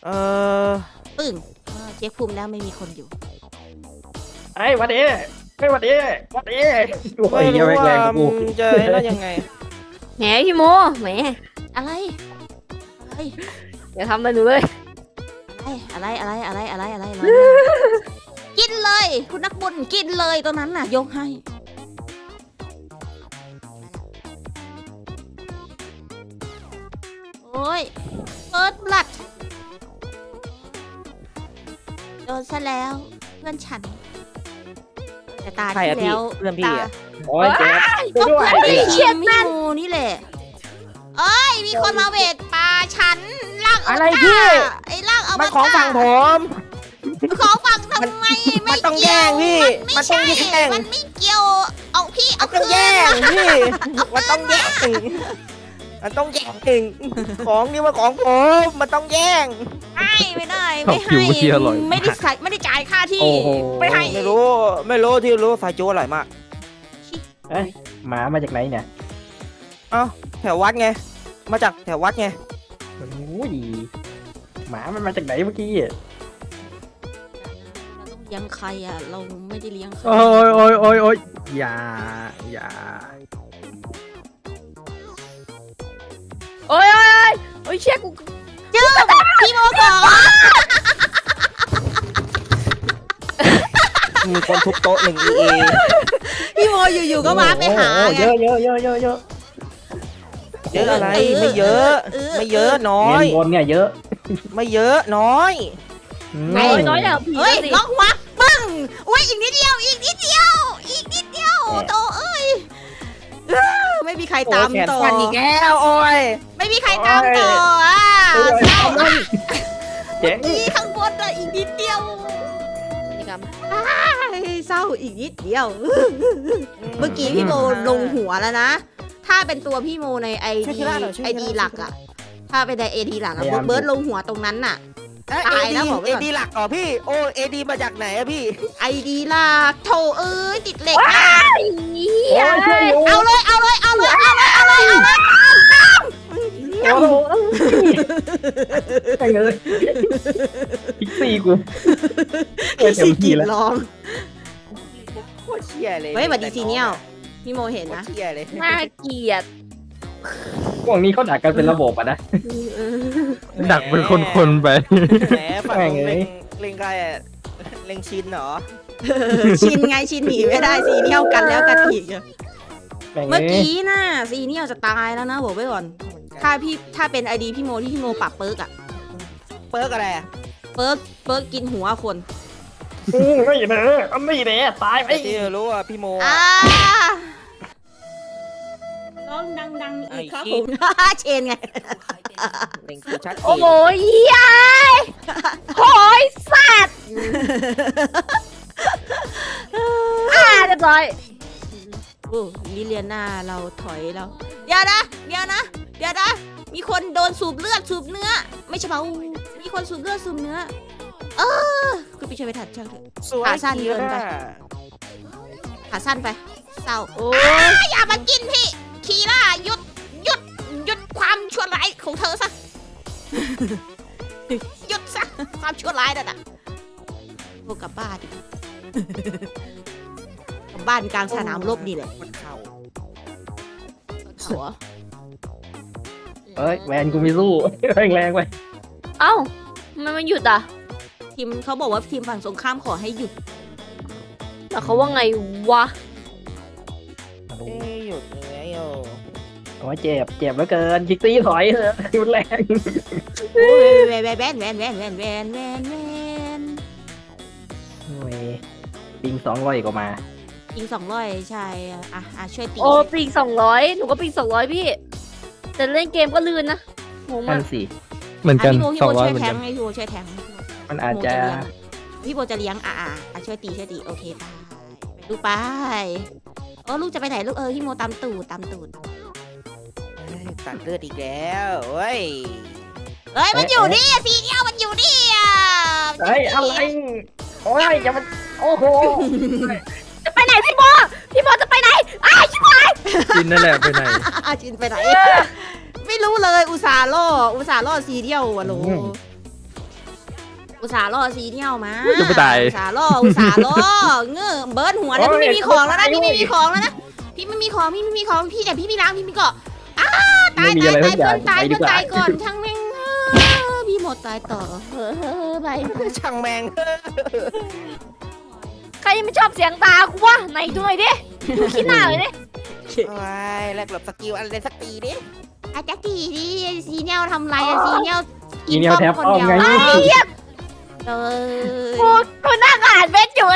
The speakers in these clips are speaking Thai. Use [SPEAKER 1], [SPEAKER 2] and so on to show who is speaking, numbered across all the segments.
[SPEAKER 1] เออ
[SPEAKER 2] ปึ้งเช็คภูมิแล้วไม่มีคนอยู่
[SPEAKER 3] ไอ้วันนี้ไม่วันนี้วันนี้โอ้
[SPEAKER 1] ไม่
[SPEAKER 3] ยยัง
[SPEAKER 1] รู้
[SPEAKER 3] ไม่แร
[SPEAKER 1] ว่าง
[SPEAKER 3] กู
[SPEAKER 1] มึงจะไอ้นั่นยังไง
[SPEAKER 4] แหมพี่โมแหม
[SPEAKER 2] อะไรอะไร
[SPEAKER 4] อย่าทำอะไรหนูเลย
[SPEAKER 2] อะไรกินเลย คุณนักบุญกินเลยตรงนั้นน่ะยกให้โอ้ยเปิดบลัดโดนซะแล้วเพื่อนฉันแต่ตา
[SPEAKER 1] ใคร
[SPEAKER 2] ที่
[SPEAKER 1] อะพี่
[SPEAKER 2] แล้ว
[SPEAKER 1] เพื่อนพี่อะ
[SPEAKER 3] โอ้ยเจ๊
[SPEAKER 2] ก็
[SPEAKER 3] ด้วย
[SPEAKER 2] เพื่อนพี่พี่โมนี่แหละเอ้ยมีคนมาเวทปลาฉันลาก
[SPEAKER 1] อะไรพี่
[SPEAKER 2] ไอ้ลากเอา
[SPEAKER 1] มันของฝั่งผม
[SPEAKER 2] ของฝั่งทำไม
[SPEAKER 1] มั
[SPEAKER 2] ไม่
[SPEAKER 1] นต้อง
[SPEAKER 2] เกี่ยว
[SPEAKER 1] แย่งพี่
[SPEAKER 2] ไม่
[SPEAKER 1] มันต้อ
[SPEAKER 2] ใช่
[SPEAKER 1] งแย่ง
[SPEAKER 2] มันไม่เกี่ยวเอาพี่
[SPEAKER 1] มั
[SPEAKER 2] เอา
[SPEAKER 1] นต้อง
[SPEAKER 2] คืน
[SPEAKER 1] แย่งพี่มันต้องแย่งมันต้องแย่งของนี่มันของผมมันต้องแย่ง
[SPEAKER 2] ไม่ได้ไม่ให้
[SPEAKER 5] ผิวที่อร่อย
[SPEAKER 2] ไม่ได้จ่ายค่าที่
[SPEAKER 3] โอ้โห
[SPEAKER 2] ไม่ให้
[SPEAKER 1] ไม่รู้ที่รู้สายจูอร่อยมาก
[SPEAKER 3] เอ้ยหมามาจากไหนเนี่ย
[SPEAKER 1] เอ้าแถววัดไงมาจากแถววัดไง
[SPEAKER 3] โอ้ยหมามันมาจากไหนเมื่อกี้
[SPEAKER 2] เราต้องเลี้ยงใครอ่ะเราไม่ได้เลี้ยงใคร
[SPEAKER 5] โอ้ยอย่า
[SPEAKER 4] โอ้ยเชี่ยกู
[SPEAKER 2] จื้อพี่โมก่อน
[SPEAKER 1] มีคนทุบโต๊ะหนึ่งเอ
[SPEAKER 2] พี่โมอยู่ๆก็มาไปหา
[SPEAKER 3] โอ้
[SPEAKER 2] ไง
[SPEAKER 3] เยอะเยอะ
[SPEAKER 1] เยอะอะไรไม่เยอะ ไม่เยอะน้อ
[SPEAKER 3] เงิ
[SPEAKER 1] ย
[SPEAKER 3] นบนเนี่ยเยอะ
[SPEAKER 1] ไม่เยอะน้อย
[SPEAKER 4] ไอ้น้อยอย่างผี
[SPEAKER 2] เฮ้ย
[SPEAKER 4] สิ
[SPEAKER 2] ล็อกหัวปึ้งอุ้ยอีกนิดเดียวโตเอ้ยไม่มีใครตาม
[SPEAKER 1] โอ้แขน
[SPEAKER 2] ต่อ
[SPEAKER 1] ฟันอีกแล้วโอ้ย
[SPEAKER 2] ไม่มีใครตามต่ออ่ะ
[SPEAKER 3] โอ้ย
[SPEAKER 2] เศร้าอ่ะ
[SPEAKER 3] เจ๊
[SPEAKER 2] นี่ข้างบนอ่ะอีกนิดเดียว
[SPEAKER 4] นี่กรรม
[SPEAKER 2] เศร้าอีกนิดเดียว เมื่อกี้พี่โมลงหัวแล้วนะ ถ้าเป็นตัวพี่โมในไอดีหลักอ่ะ ถ้าเป็นในเอดีหลักอะเบิร์ดลงหัวตรงนั้นน่ะ ตายแล้วบอกไว้
[SPEAKER 1] เอ
[SPEAKER 2] ก่อน
[SPEAKER 1] ดีหลักเหรอพี่โอ้เอดีมาจากไหนอะพี่
[SPEAKER 2] ไอดีหลักโถเอ้ยติดเหล็กนะ
[SPEAKER 3] โอ้ยช่วยอยู่
[SPEAKER 2] เอาเลย
[SPEAKER 3] โอ้โหไปเลยพิกซี่กู
[SPEAKER 2] พี่สิกินร้อง
[SPEAKER 1] โคตรเชี่ยเลย
[SPEAKER 2] เฮ้ยสวัสดีซีเนียลพี่โมเห็น
[SPEAKER 1] โคตร
[SPEAKER 2] นะ
[SPEAKER 1] เชี่ยเลย
[SPEAKER 4] น่าเกลียด
[SPEAKER 3] พวกนี้เขาด่ากันเป็นระบบอ่ะนะ
[SPEAKER 5] ดักเป็นคนๆไป
[SPEAKER 1] แหมฝั่ง
[SPEAKER 3] แม่ง
[SPEAKER 1] นู้น
[SPEAKER 3] เอ้ย
[SPEAKER 1] เล็งใครอะเล็งชินเหรอ
[SPEAKER 2] ชินไงชินหนีไม่ได้ซีเนียลกันแล้วกันอีกอะ
[SPEAKER 3] แม่ง
[SPEAKER 2] เมื่อ
[SPEAKER 3] เอ้ย
[SPEAKER 2] กี้น่ะซีเนียลจะตายแล้วนะบอกไว้ก่อน ถ้าเป็นไอดีพี่โมที่พี่โมปรับเปิร์กอะ
[SPEAKER 1] เปิร์กอะไรอะ
[SPEAKER 2] เปิร์กกินหัวคน
[SPEAKER 3] ไม่เด้อไม่เด้อตายไป
[SPEAKER 1] ไอ้ที่รู้ว่าพี่โม
[SPEAKER 2] อ่า
[SPEAKER 1] อะ
[SPEAKER 2] ร้องดังๆอีกครับ
[SPEAKER 1] ไอ้
[SPEAKER 2] ผม เชนไง
[SPEAKER 1] เล็งกูชัดเจ
[SPEAKER 4] โอ้
[SPEAKER 1] น
[SPEAKER 4] โหยายโหยสัตว์เรียบร้อย
[SPEAKER 2] โอ้ลิเลียนาเราถอยแล้วเดี๋ยวนะมีคนโดนสูบเลือดสูบเนื้อ ไม่ใช่เปล่ามีคนสูบเลือดสูบเนื้อคุณไปช่วยไปถัดช่างเถอะ
[SPEAKER 1] สวย
[SPEAKER 2] ขาสั้นเกินไป
[SPEAKER 1] คีร่า
[SPEAKER 2] ขาสั้นไปเศร้าโอ้อย่ามากินพี่คีร่าหยุดความชั่วร้ายของเธอซะ หยุดซะความชั่วร้ายนั่นน่ะพวกกลับบ้าน กลับบ้านกลางสนามรบนี่แหละ
[SPEAKER 1] มันเข่า
[SPEAKER 2] หัว
[SPEAKER 3] เอ้ยแวนกูไม่สู้แรงไป
[SPEAKER 4] เอ้าทำไมมันหยุดอ่ะ
[SPEAKER 2] ทีมเขาบอกว่าทีมฝั่งตรงข้ามขอให้หยุด
[SPEAKER 4] แต่เขาว่าไงวะ
[SPEAKER 1] เอ้ยหยุดยังไงโอ้
[SPEAKER 3] โอ้ยเจ็บเหลือเกินพิกซี่ถอยเถอะรุนแรง
[SPEAKER 2] โอ้ยแวน
[SPEAKER 3] โอ้ยปิง200ก็มา
[SPEAKER 2] ยิง200ใช่อ่ะช่วยตี
[SPEAKER 4] โอ้ปีก200หนูก็ปีก200พี่ แต่เล่นเกมก็ลื่นนะงง
[SPEAKER 3] นั่
[SPEAKER 4] มาน ก
[SPEAKER 3] สิ
[SPEAKER 5] เหมือนกัน
[SPEAKER 2] พี่โบ
[SPEAKER 5] 200
[SPEAKER 2] ช่วย
[SPEAKER 5] เหมือน
[SPEAKER 2] แท
[SPEAKER 5] กั
[SPEAKER 2] ง
[SPEAKER 5] น
[SPEAKER 2] ให้พี่โบช่วยแทง
[SPEAKER 3] มันอาจจะ
[SPEAKER 2] พี่โบจะเลี้ยงช่วยตีโอเคไปลูกไปลูกจะไปไหนลูกพี่โมตามตูด
[SPEAKER 1] เอ้ยตัดเลือดอีกแล้วเฮ้ย
[SPEAKER 2] เฮ้ยมันอยู่นี่สีเดียวมันอยู่นี่อ่ะ
[SPEAKER 3] เฮ้ยอะไรโอ้ยอย่ามันโอ้โห
[SPEAKER 4] จะไปไหนพี่โมจะไปไหนชิบหาย
[SPEAKER 5] กินนั่นแหละไปไหน
[SPEAKER 2] จินไปไหนไม่รู้เลยอุตส่าห์ล่อสีเดียวอะโหลอุตส่าห์ล่อซีเนียลมา
[SPEAKER 5] จะไม่ตาย
[SPEAKER 2] อุตส่าห์ล่อเงื้อเบิร์ดหัวแล้วพี่ไม่มีของแล้วนะพี่ไม่มีของแล้วนะพี่ไม่มีของพี่แต่พี่มีล้างพี่มีเกาะตาย
[SPEAKER 3] ไม่มีอะไร
[SPEAKER 2] เพื่
[SPEAKER 3] ทุกอย่าง
[SPEAKER 2] อนตาย
[SPEAKER 3] ไปดี
[SPEAKER 2] เพื่อน
[SPEAKER 3] กว่า
[SPEAKER 2] ตายก่อนช่างแม่งพี่หมดตายต่อไป
[SPEAKER 1] ช่างแมง
[SPEAKER 4] ใครไม่ชอบเสียงตากูวะไหนด้วยดิดูขี้หน้าเลยดิ
[SPEAKER 1] โอ้ยแลกหลบสกิลอะไรสักทีดิ
[SPEAKER 2] อาจจะตีดิซีเนียลทำไรอะซีเนียล
[SPEAKER 3] อีเนียลแทบ
[SPEAKER 2] คน
[SPEAKER 3] อ้อม
[SPEAKER 2] เดียว
[SPEAKER 3] ไง
[SPEAKER 2] เลย
[SPEAKER 4] กูนั่งอ่านเม็ดอยู่ไอ้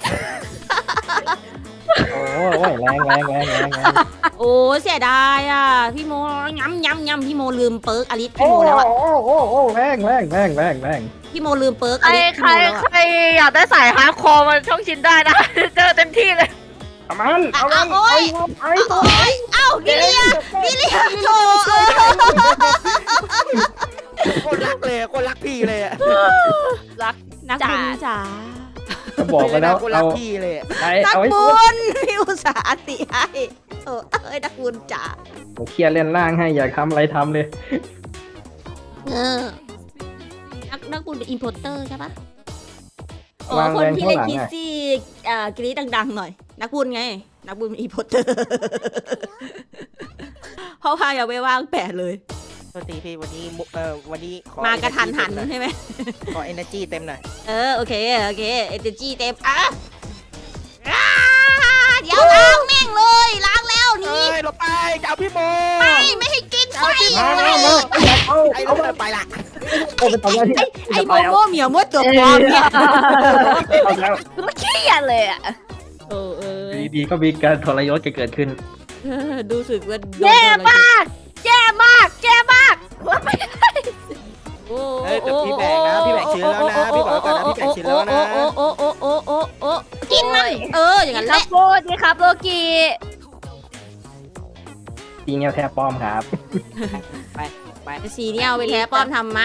[SPEAKER 3] โอ้ยแรง
[SPEAKER 2] โอ้เสียดายอ่ะพี่โมย้ำพี่โมลืมเปิร์กอลิส
[SPEAKER 3] โอ้
[SPEAKER 2] พี่โมแล้วอ่ะ
[SPEAKER 3] โอ้แรง
[SPEAKER 2] พี่โมลืมเปิร์กอ
[SPEAKER 4] ใคร
[SPEAKER 2] ลิส
[SPEAKER 4] ใคร
[SPEAKER 2] พี่โมแล้ว
[SPEAKER 4] ใครอยากได้สายฮาร์ดคอร์มาช่องชินได้นะ เจอเต็มที่เลย
[SPEAKER 3] เอามัน
[SPEAKER 2] โอ้ยเอ้าพี่เลี้ยโถ
[SPEAKER 1] คนรักเลยคนรักพี่เลยอะ
[SPEAKER 4] รัก
[SPEAKER 2] นักบุญจ๋า
[SPEAKER 3] ก็บอกไปแล้ว
[SPEAKER 1] คนรั
[SPEAKER 3] เอา
[SPEAKER 1] กพี่เลยอะ
[SPEAKER 3] ไอ้
[SPEAKER 2] นัก
[SPEAKER 3] เอาไว้
[SPEAKER 2] บุญพี่อุตส่าห์ติให้โอ้เอ้ยนักบุญจ๋า
[SPEAKER 3] เคลียร์เล่นล่างให้อยากทำอะไรทำเลย
[SPEAKER 2] นักบุญเป็นอินโพเตอร์ใช่ปะอ๋อ
[SPEAKER 3] วาง
[SPEAKER 2] คน
[SPEAKER 3] แรง
[SPEAKER 2] ที่
[SPEAKER 3] ข้าง
[SPEAKER 2] เล่น
[SPEAKER 3] หลัง
[SPEAKER 2] พิซ
[SPEAKER 3] อ่ะ
[SPEAKER 2] ซี่กรี๊ดดังๆหน่อย นักบุญไง นักบุญเป็นอินโพเตอร์เพราะพาอย่าไปว่างแปะเลย
[SPEAKER 1] โทษทีพี่วันนี้ขอ
[SPEAKER 2] มากระทันหันใช่ไหม
[SPEAKER 1] ขอ energy เต็มหน่อย
[SPEAKER 2] โอเคเอเนจีเต็มเดี๋ยวล้างแม่งเลยล้างแล้วนี่
[SPEAKER 1] เอ้ยหลบไปจะเอาพี่โม
[SPEAKER 2] ไม่ให้กินไฟ
[SPEAKER 1] ไอ้ลูกไปละ
[SPEAKER 3] โอ้ไปทำอะไรที่
[SPEAKER 2] ไอ้โมโมเหมียวมดตัวปลอมเนี่ย
[SPEAKER 3] เอาแล้ว
[SPEAKER 4] กูเครียดเลยอ่ะ
[SPEAKER 3] ดีๆก็มีการทรยศเกิดขึ้น
[SPEAKER 2] ดูสึกว่า
[SPEAKER 4] แย่มากแย่มากแย่มาก
[SPEAKER 1] เอ้ยแต่พี่แบกนะพี่แบกชื้นแล้วนะพี่บอกก่อนนะพี่แบกชื้นแล้วนะ
[SPEAKER 2] โอ้กินมันอย่างนั้นแห
[SPEAKER 4] ครั
[SPEAKER 2] ละ
[SPEAKER 4] บโบดีครับโลกี
[SPEAKER 3] ตีเนียลแทบป้อมครับ
[SPEAKER 2] สีเนี่ยเอาไปแท้ป้อมทำไม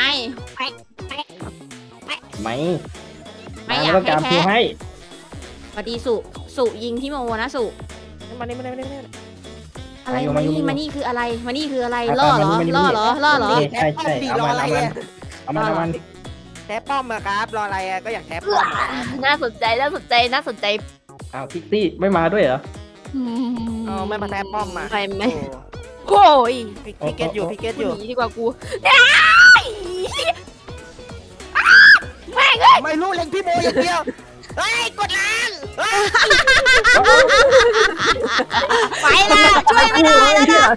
[SPEAKER 3] ไหม
[SPEAKER 2] ไม่อยาก
[SPEAKER 3] ต้องการ
[SPEAKER 2] ให้แพ้
[SPEAKER 3] ผู้ให้
[SPEAKER 2] สวัสดีสุยิงพี่โมนะสุ
[SPEAKER 1] มานี่
[SPEAKER 2] อะไรมานี่คืออะไรมานี่คืออะไรล่อเหรอล่อเหรอ
[SPEAKER 3] ใช่เอามัน
[SPEAKER 1] แทบป้อมอะครับรออะไรอะก็อยากแทบป้อม
[SPEAKER 4] น่าสนใจน่าสนใจ
[SPEAKER 3] เอาพิกซี่ไม่มาด้วยเหรอ
[SPEAKER 1] ไม่มาแทบป้อมมา
[SPEAKER 4] ไม่โอ้ย
[SPEAKER 1] พี่เกตอยู่
[SPEAKER 4] หนีดีกว่ากู
[SPEAKER 1] ไม่รู้เล็งพี่โมอย่างเดียวเฮ้ยกดล้าง
[SPEAKER 2] ไปละช่วยไม่ได้แล้วนะ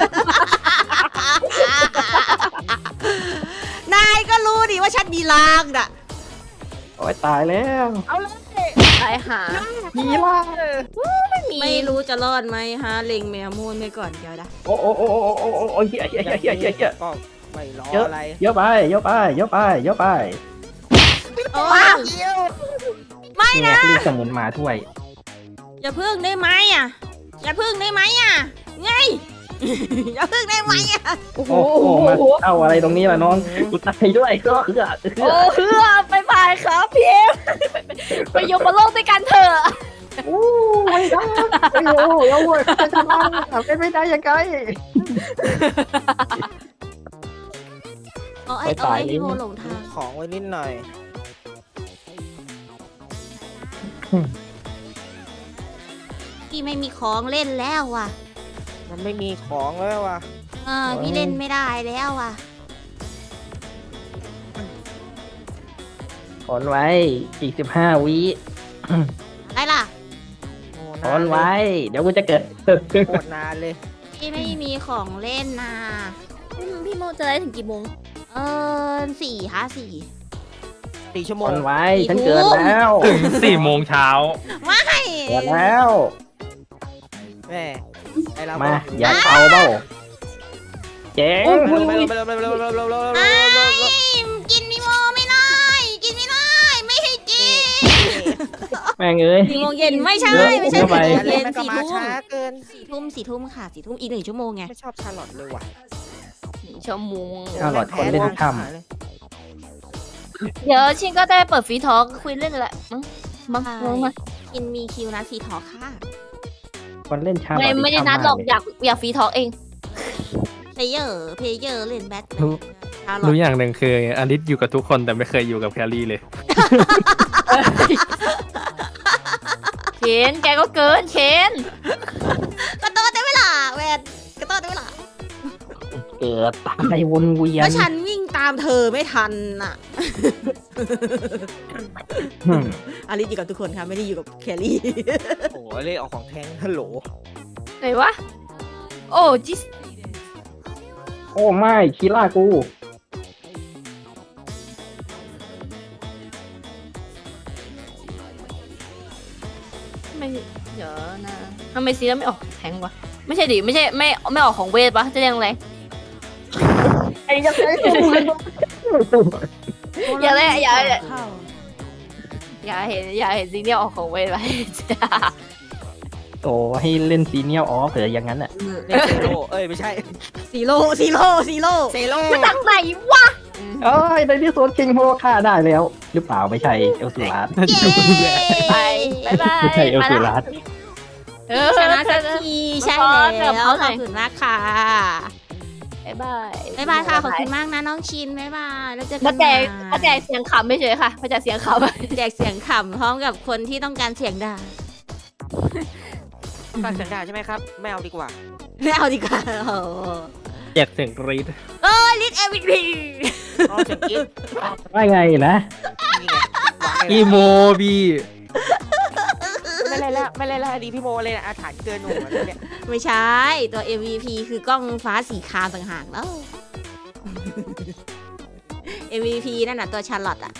[SPEAKER 2] นายก็รู้ดิว่าฉันมีลางน่ะ
[SPEAKER 3] โอ้ยตายแล้ว
[SPEAKER 1] เอาเลย
[SPEAKER 4] ตายหา
[SPEAKER 3] มีล่า
[SPEAKER 2] ไม่รู้จะรอดไหมฮะเล็งแมวมูนไปก่อนเดี๋ยวนะ
[SPEAKER 3] โอ้เฮีย
[SPEAKER 1] ก็ไม่รออะไร
[SPEAKER 3] เยอะไป
[SPEAKER 2] โอ้
[SPEAKER 1] เดียว
[SPEAKER 2] ไม่
[SPEAKER 3] เนี่ย
[SPEAKER 2] นะ
[SPEAKER 3] ลูกสมุนมาถ้วย
[SPEAKER 2] อย่าพึ่งได้ไหมอ่ะอย่าพึ่งได้ไหมอ่ะไง อย่าพึ่งได้ไหมอ่ะ
[SPEAKER 3] โอ้โหมาเอาอะไรตรงนี้ล่ะน้องกูตายด้วยก็คือ
[SPEAKER 4] โอ้เฮือไปบายครับพี่เอ็มไปอยู่บนโลกด้วยกันเถอะ
[SPEAKER 3] โอ้ไม่ได้โอ้ยจะทำอะไรไม่ได้ยังไง
[SPEAKER 2] เอาไอ้พี่โมหลงทาง
[SPEAKER 1] ของไว้นิดหน่อย
[SPEAKER 2] พี่ไม่มีของเล่นแล้วว่ะ
[SPEAKER 1] มันไม่มีของแล้วว่ะ
[SPEAKER 2] พี่เล่นไม่ได้แล้วว่ะ
[SPEAKER 3] ถอนไว้อีก15 วิ
[SPEAKER 2] อะไรล่ะ
[SPEAKER 3] ถอนไว้ เดี๋ยวกูจะเกิด
[SPEAKER 1] โคตรนานเลย
[SPEAKER 2] พี่ไม่มีของเล่นนะ
[SPEAKER 4] พี่โมจะได้ถึงกี่โมง
[SPEAKER 2] 4
[SPEAKER 1] 4 ชั่วโม
[SPEAKER 3] ถ
[SPEAKER 1] ง
[SPEAKER 3] อนไว้ฉันเกิดแล้ว
[SPEAKER 5] ถึง4 โมงเช้า
[SPEAKER 3] เกิดแล้ว
[SPEAKER 1] แม่ไอเรา
[SPEAKER 3] มาอย่าเอาเบ้าเจ๋ง
[SPEAKER 1] ไปเร็ว
[SPEAKER 2] กินมีโมไม่ได้กินไม่ได้ไม่ให้กิน
[SPEAKER 3] แม่งเอ้ย
[SPEAKER 2] 4 โมงเย็นไม่ใช่
[SPEAKER 3] เยอะ
[SPEAKER 2] ไม่ใช่
[SPEAKER 3] เยอะไป
[SPEAKER 2] 4 โมง
[SPEAKER 1] เล่
[SPEAKER 2] เย็
[SPEAKER 1] น
[SPEAKER 2] น
[SPEAKER 1] ก็
[SPEAKER 2] 4
[SPEAKER 1] มา
[SPEAKER 2] ทุ่ม
[SPEAKER 1] ช้าเกิน
[SPEAKER 2] 4 ทุ่มค่ะ4 ทุ่มอีก1 ชั่วโมงไง
[SPEAKER 1] ไม่ชอบชาลอตเลยว่ะ
[SPEAKER 4] ชั่วโมง
[SPEAKER 3] ชาลอตคนเล่นทุกค่
[SPEAKER 4] เดี๋ยวชินก็ได้เปิดฟรีทอล์กคุยเรื่องแหละมั้งมา
[SPEAKER 2] กินมีคิวนะสีทอค่ะ
[SPEAKER 3] คนเล่นชาลอต
[SPEAKER 4] ไม่ได้นัดหรอกอยากฟรีทอล์กเอง
[SPEAKER 2] เพลเยอร์เล่นแบทชาลอ
[SPEAKER 5] รู้
[SPEAKER 2] ต
[SPEAKER 5] อย่างหนึ่งคืออลิสอยู่กับทุกคนแต่ไม่เคยอยู่กับแครี่เลย
[SPEAKER 4] เชนแกก็เกินเชน
[SPEAKER 2] กระโดดได้ไหมล่ะแวนกระโดดได้ไหมล่ะ
[SPEAKER 3] เกิดตายวนเวีย
[SPEAKER 2] ก็
[SPEAKER 3] น
[SPEAKER 2] ฉันวิ่งตามเธอไม่ทันน่ะ อลิสอยู่กับทุกคนค่ะไม่ได้อยู่กับแครี่
[SPEAKER 1] โอ้โหเลยออกของแทงฮัลโหล
[SPEAKER 4] ไหนวะ โอ้จิส
[SPEAKER 3] โอ้ไม่คีล่ากู
[SPEAKER 4] ไม่เดี๋ยวนะทำไมซีแล้วไม่ออกแทงวะไม่ใช่ดิไม่ใช่ไม่ออกของเวทปะจะเรียกอะไร
[SPEAKER 3] ไอ้ยังไง
[SPEAKER 4] อย่าเลยอย่า
[SPEAKER 2] เข้า
[SPEAKER 4] อย่าเห็นซีเนี่ยออกของเวทไป
[SPEAKER 3] โอ้ให้เล่นซีเนียลออฟเหรออย่างนั้นอ่ะ
[SPEAKER 1] เล่นเซโร่เอ้ยไม่ใช่
[SPEAKER 2] ซีโร่ซีโร่ซีโร่
[SPEAKER 1] เซโร่
[SPEAKER 4] มาจากไหนวะ
[SPEAKER 3] เอ้ยในที่สุดคิงโฮฆ่าได้แล้ว หรือเปล่าไม่ใช่เอลสูรัส
[SPEAKER 2] เย้
[SPEAKER 4] ไปบายบาย
[SPEAKER 3] ไม่ใช่เอลสูรัส
[SPEAKER 4] เออ
[SPEAKER 2] ชนะสักทีใช่แล้วขอบคุณมากค่ะ
[SPEAKER 4] บายบาย
[SPEAKER 2] บ๊ายบายค่ะขอบคุณมากนะน้องชินบ๊ายบายแล้วเจอกั
[SPEAKER 4] มาน แจกมาแจกเสียงขำไม่เฉยค่ะมาแจกเสียงขำ
[SPEAKER 2] แจกเสียงขำพร้อมกับคนที่ต้องการเสียงด่า
[SPEAKER 1] ฝากเสียงด่าใช่ไหมครับไม่เอาดีกว่า
[SPEAKER 2] ไม่เอาดีกว่าโอ้
[SPEAKER 5] แจกเสียงกรี๊ด
[SPEAKER 2] ลิทเอวิพี
[SPEAKER 1] อ๋อเสียงกิ๊บ
[SPEAKER 3] ว่าไงนะ
[SPEAKER 1] นี่ไงวาง
[SPEAKER 5] อี
[SPEAKER 1] ให้
[SPEAKER 5] โมบี้
[SPEAKER 1] ไม่เล่นแล้วไม่เล่นแล้วดีพี่โมเลยนะอาถรรพ์เกินหนูแล้วเนี่ย
[SPEAKER 2] ไม่ใช่ตัว MVP คือกล้องฟ้าสีครามต่างหากแล้ว MVP นั่นน่ะตัวชาร์ลอตอะ